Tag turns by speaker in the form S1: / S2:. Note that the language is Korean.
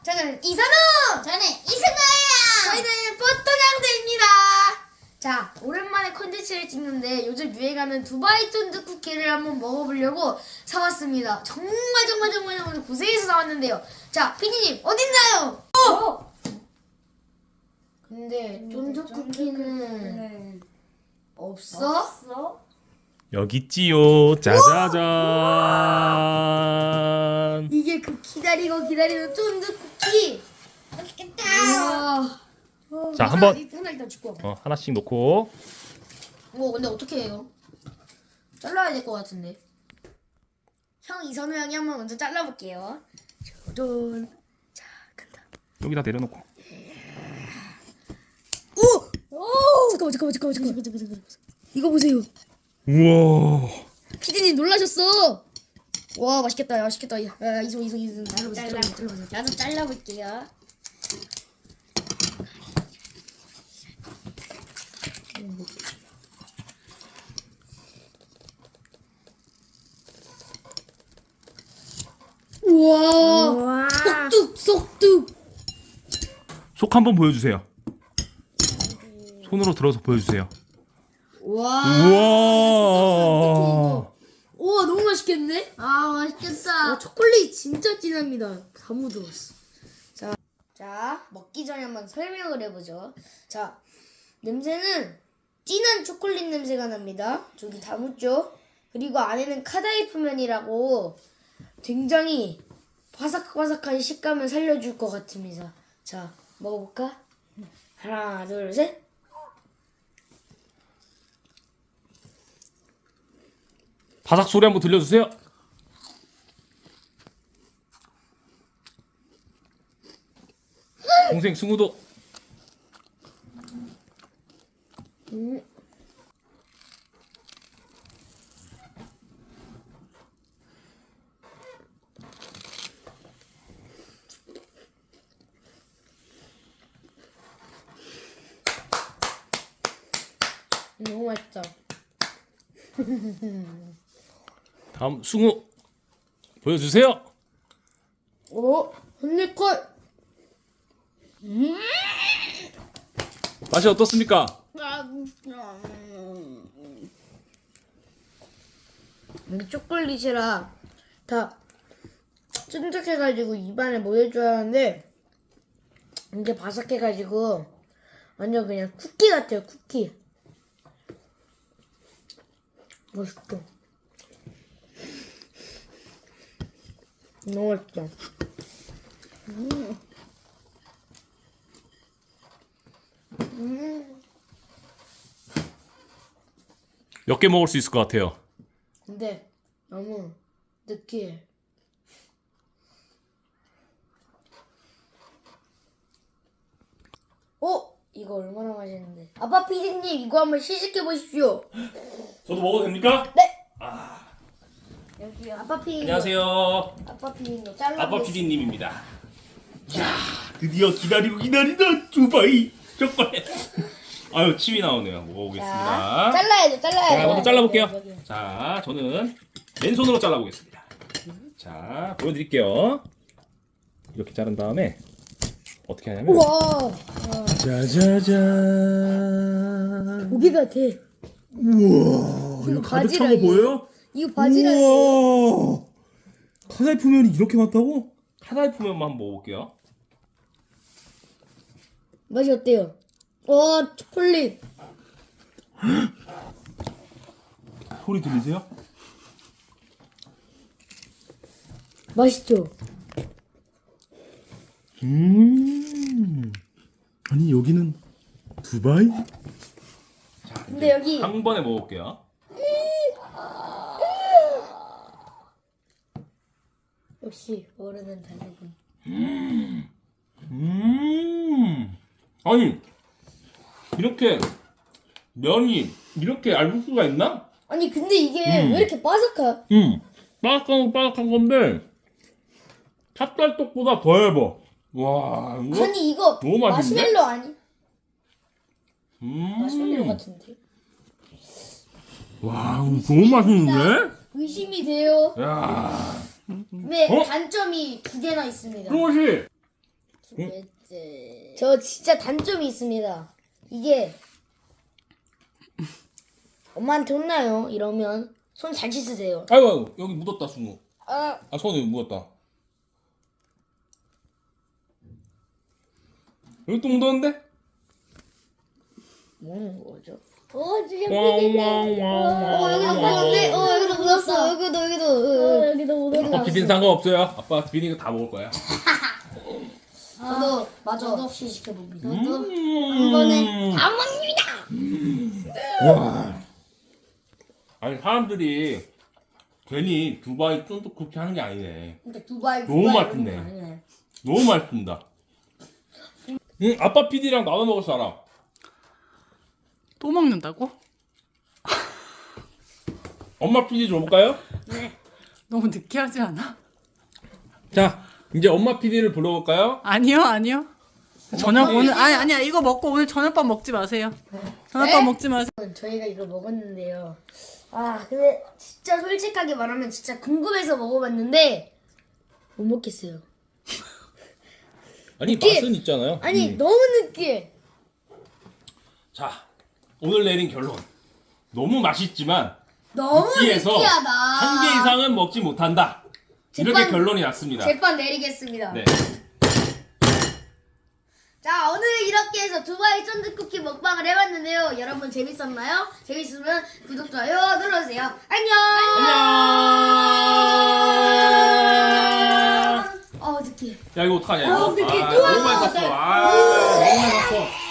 S1: 저는 이선우!
S2: 저는 이승아예요.
S1: 저희는 포토냥대입니다. 자, 오랜만에 컨텐츠를 찍는데 요즘 유행하는 두바이 쫀득 쿠키를 한번 먹어보려고 사왔습니다. 정말 고생해서 사왔는데요. 자, 피디님 어딨나요? 근데 쫀득 쿠키는 없어?
S3: 여기 있지요. 짜자잔.
S1: 이게 그 기다리는 쫀득 쿠키.
S2: 맛있겠다.
S1: 우와.
S3: 자, 한번
S1: 하나 일단 줄거 봐.
S3: 하나씩 놓고.
S1: 근데 어떻게 해요? 잘라야 될 것 같은데. 형 이선우 형이 한번 먼저 잘라볼게요. 짜잔. 자, 간다.
S3: 여기다 내려놓고.
S1: 오! 잠깐만. 이거 보세요.
S3: 우와.
S1: 피디님 놀라셨어. 와, 맛있겠다. 야, 이소 잘라보세요.
S2: 나도 잘라볼게요.
S1: 우와. 속뚝.
S3: 속 한번 보여주세요. 손으로 들어서 보여주세요.
S1: 우와.
S3: 우와.
S1: 우와, 너무 맛있겠네.
S2: 아 맛있겠다.
S1: 초콜릿 진짜 진합니다. 다 묻어왔어. 자, 먹기 전에 한번 설명을 해보죠. 자, 냄새는 진한 초콜릿 냄새가 납니다. 저기 다 묻죠? 그리고 안에는 카다이프면이라고 굉장히 바삭바삭한 식감을 살려줄 것 같습니다. 자, 먹어볼까? 하나, 둘, 셋.
S3: 바삭 소리 한번 들려주세요. 동생 승우도.
S1: 너무 맛있다.
S3: 다음 승우 보여주세요.
S1: 오, 한입컷.
S3: 맛이 어떻습니까?
S1: 이게 초콜릿이라 다 쫀득해가지고 입안에 묻어줘야 하는데 이게 바삭해가지고 완전 그냥 쿠키 같아요. 쿠키. 맛있다. 너무 맛있다.
S3: 몇 개 먹을 수 있을 것 같아요.
S1: 근데 너무 느끼해. 이거 얼마나 맛있는데. 아빠 피디님 이거 한번 시식해 보십시오.
S3: 저도 먹어도 됩니까?
S1: 네. 여기요. 아빠 피디님.
S3: 안녕하세요.
S1: 아빠 피디님 잘라.
S3: 아빠 PD님입니다. 야, 드디어 기다리던 두바이 초콜릿. 아유, 침이 나오네요. 먹어보겠습니다.
S1: 잘라야죠.
S3: 제가 먼저 잘라볼게요.
S1: 여기.
S3: 자, 저는 맨손으로 잘라보겠습니다. 자, 보여드릴게요. 이렇게 자른 다음에 어떻게 하냐면
S1: 우와.
S3: 짜자잔.
S1: 고기 같아.
S3: 우와,
S1: 이거
S3: 가득 찬 거
S1: 바지락이에요.
S3: 보여요?
S1: 이거 바지락이에요.
S3: 우와, 카다이프면이 이렇게 많다고? 카다이프면만 한번 먹어볼게요.
S1: 맛이 어때요? 와, 초콜릿.
S3: 소리 들리세요?
S1: 맛있죠?
S3: 아니 여기는 두바이? 자,
S1: 근데 여기
S3: 한 번에 먹어볼게요.
S1: 역시 어른은 다르군.
S3: 아니 이렇게 면이 이렇게 얇을 수가 있나?
S1: 아니 근데 이게 왜 이렇게 바삭하?
S3: 바삭한 건데 찹쌀떡보다 더 얇아. 와, 이거
S1: 아니 이거
S3: 너무 맛있는데?
S1: 마시멜로 아니? 마시멜로 같은데?
S3: 와, 너무 맛있는데?
S1: 의심이 돼요.
S3: 야,
S1: 근데
S3: 어?
S1: 단점이 두 개나 있습니다.
S3: 승호 씨,
S2: 두 개째.
S1: 저 진짜 단점이 있습니다. 이게 엄마한테 혼나요. 이러면 손 잘 씻으세요.
S3: 아이고, 아이고, 여기 묻었다, 순우.
S1: 아,
S3: 아, 손에 묻었다. 여기 또 묻었는데?
S1: 뭐는 거죠?
S2: 지금
S1: 여기도 묻었는데? 여기도 묻었어. 여기도.
S2: 여기도 묻었다.
S3: 아빠 비린 상관없어요. 아빠 비린 거 다 먹을 거야.
S1: 저도 마저 시식해봅니다.
S3: 한
S2: 번에 다
S3: 와. 아니, 사람들이 괜히 두바이 쫀득 쿠키 하는 게 아니네.
S1: 근데 두바이
S3: 너무
S1: 두바이
S3: 맛있네.
S1: 이런 거 아니네.
S3: 너무 맛있습니다. 아빠 PD랑 나눠 먹을 사람.
S4: 또 먹는다고?
S3: 엄마 PD 줘볼까요?
S4: 너무 느끼하지 않아?
S3: 자, 이제 엄마 PD를 불러볼까요?
S4: 아니요. 저녁 오늘 아니야 이거 먹고 오늘 저녁밥 먹지 마세요. 저녁밥
S1: 네?
S4: 먹지 마세요.
S1: 저희가 이거 먹었는데요. 근데 진짜 솔직하게 말하면 진짜 궁금해서 먹어봤는데 못 먹겠어요.
S3: 아니,
S1: 느끼-
S3: 맛은 있잖아요.
S1: 아니 너무 느끼해.
S3: 자, 오늘 내린 결론. 너무 맛있지만
S1: 너무
S3: 느끼해서
S1: 느끼하다.
S3: 한 개 이상은 먹지 못한다. 이렇게
S1: 제빵-
S3: 결론이 났습니다.
S1: 제판 내리겠습니다.
S3: 네.
S1: 자, 오늘 이렇게 해서 두바이 쫀득쿠키 먹방을 해봤는데요. 여러분 재밌었나요? 재밌으면 구독, 좋아요 눌러주세요. 안녕!
S3: 안녕.
S1: 느끼해.
S3: 야, 이거 어떡하냐, 이거.
S1: 느끼해.
S3: 아,
S1: 또
S3: 너무 많이 샀어. 아, 너무 많이 샀어.